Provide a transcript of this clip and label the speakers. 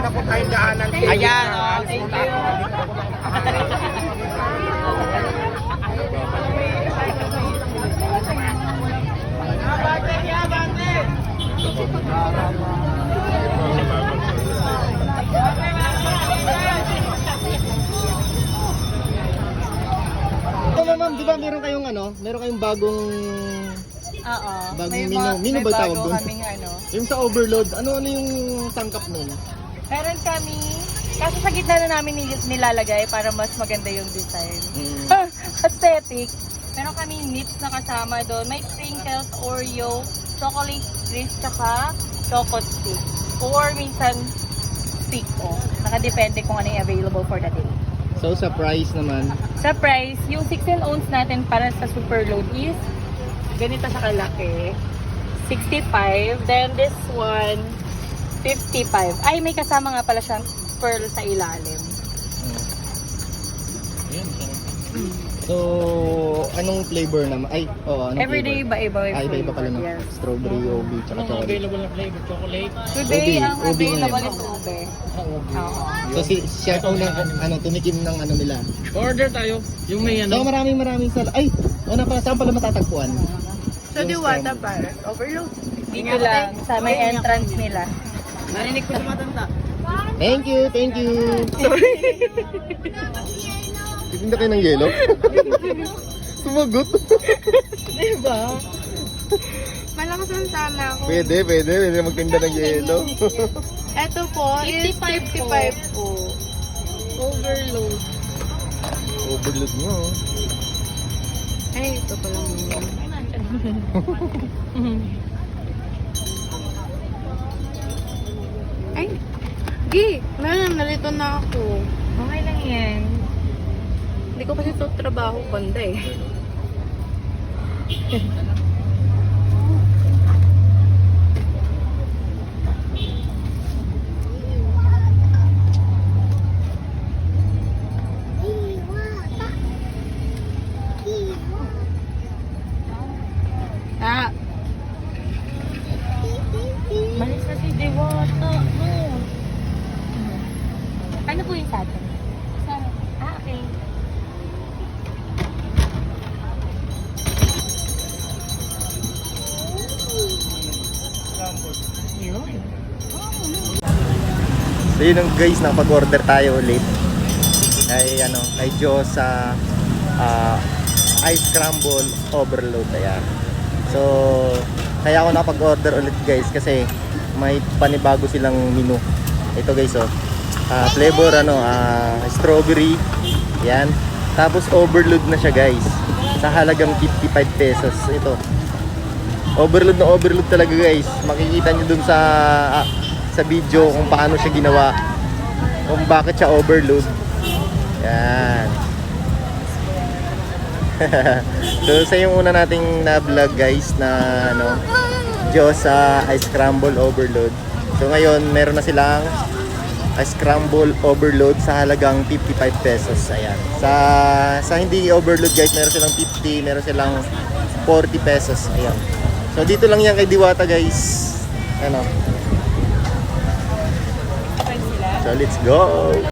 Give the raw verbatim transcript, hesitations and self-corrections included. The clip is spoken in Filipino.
Speaker 1: na po tayong daanan.
Speaker 2: Ayan, oh, thank you.
Speaker 3: Ma'am, ma'am, di ba meron kayong ano? Meron kayong bagong
Speaker 2: Oo.
Speaker 3: bagong
Speaker 2: May
Speaker 3: menu.
Speaker 2: ba-
Speaker 3: Menu
Speaker 2: may
Speaker 3: ba tawag
Speaker 2: bago
Speaker 3: doon?
Speaker 2: kaming ano.
Speaker 3: Yung sa overload, ano ano yung tangkap nun?
Speaker 2: Meron kami, kaso sa gitna na namin nil- nilalagay para mas maganda yung design.
Speaker 3: Mm.
Speaker 2: Aesthetic. Meron kami nips na kasama doon. May sprinkles, Oreo, chocolate crisp, tsaka choco stick. Or minsan stick o. Nakadepende kung ano yung available for the day.
Speaker 3: So sa price naman,
Speaker 2: Sa price, yung sixteen ounce natin para sa super load is ganito sa kalaki. sixty-five. Then this one, fifty-five. Ay, may kasama nga pala siyang pearl sa ilalim.
Speaker 3: so anong flavor naman? Ay, oo, anong
Speaker 2: Everyday
Speaker 3: flavor?
Speaker 2: iba-iba yung
Speaker 3: Ay, iba-iba pala no?
Speaker 2: Yes.
Speaker 3: Strawberry, ube, tsaka chocolate.
Speaker 1: Available na flavor, chocolate.
Speaker 2: Today,
Speaker 3: Ube,
Speaker 2: ang
Speaker 3: ube
Speaker 2: available
Speaker 3: ngayon.
Speaker 2: is ube.
Speaker 1: Ah, ube.
Speaker 2: Oo.
Speaker 3: So si siya unang ano, tumikim ng ano nila.
Speaker 1: Order tayo. Yung may
Speaker 3: So
Speaker 1: ano.
Speaker 3: maraming maraming sal. Ay, ano pala, saan pala matatagpuan?
Speaker 4: Sa Diwata Paris, overload.
Speaker 2: Dito lang, sa may entrance nila.
Speaker 4: Narinig ko sa matanda.
Speaker 3: Thank you, thank you. Sorry. Titinda kayo ng yelo? Sumagot.
Speaker 2: Diba?
Speaker 4: Malakas ang tama ko.
Speaker 3: Pwede, pwede, pwede magtinda ng yelo.
Speaker 4: Ito po is fifty-five po.
Speaker 2: Overload.
Speaker 3: Overload mo. oh.
Speaker 4: Ay, ito pa lang yun. Ay, Gi, meron, nalito na ako.
Speaker 2: Okay lang yan.
Speaker 4: Hindi ko kasi ito trabaho banda eh. Ah,
Speaker 2: Malis na si Diwata. No. Ano po yung sa atin? Sa... Ah, okay. Yun.
Speaker 3: So yun ang guys, nakapag-order tayo ulit. Ay ano, kay Diyos sa ah, ice scramble overload. Ayan. So, kaya ako nakapag-order ulit guys kasi may panibago silang menu. Ito guys oh. Ah, flavor ano, ah, strawberry. Yan. Tapos overload na siya guys. Sa halagang fifty-five pesos. Ito. Overload na overload talaga guys. Makikita niyo dun sa ah, sa video kung paano siya ginawa. Kung bakit siya overload. Yan. So sa yung una nating na vlog guys na ano, Diyos sa ice scramble overload. So ngayon meron na silang ice scramble overload sa halagang fifty-five pesos. Ayan. Sa sa hindi overload guys, meron silang fifty, meron silang forty pesos. Ayan. So dito lang yan kay Diwata guys. Ano? So let's go.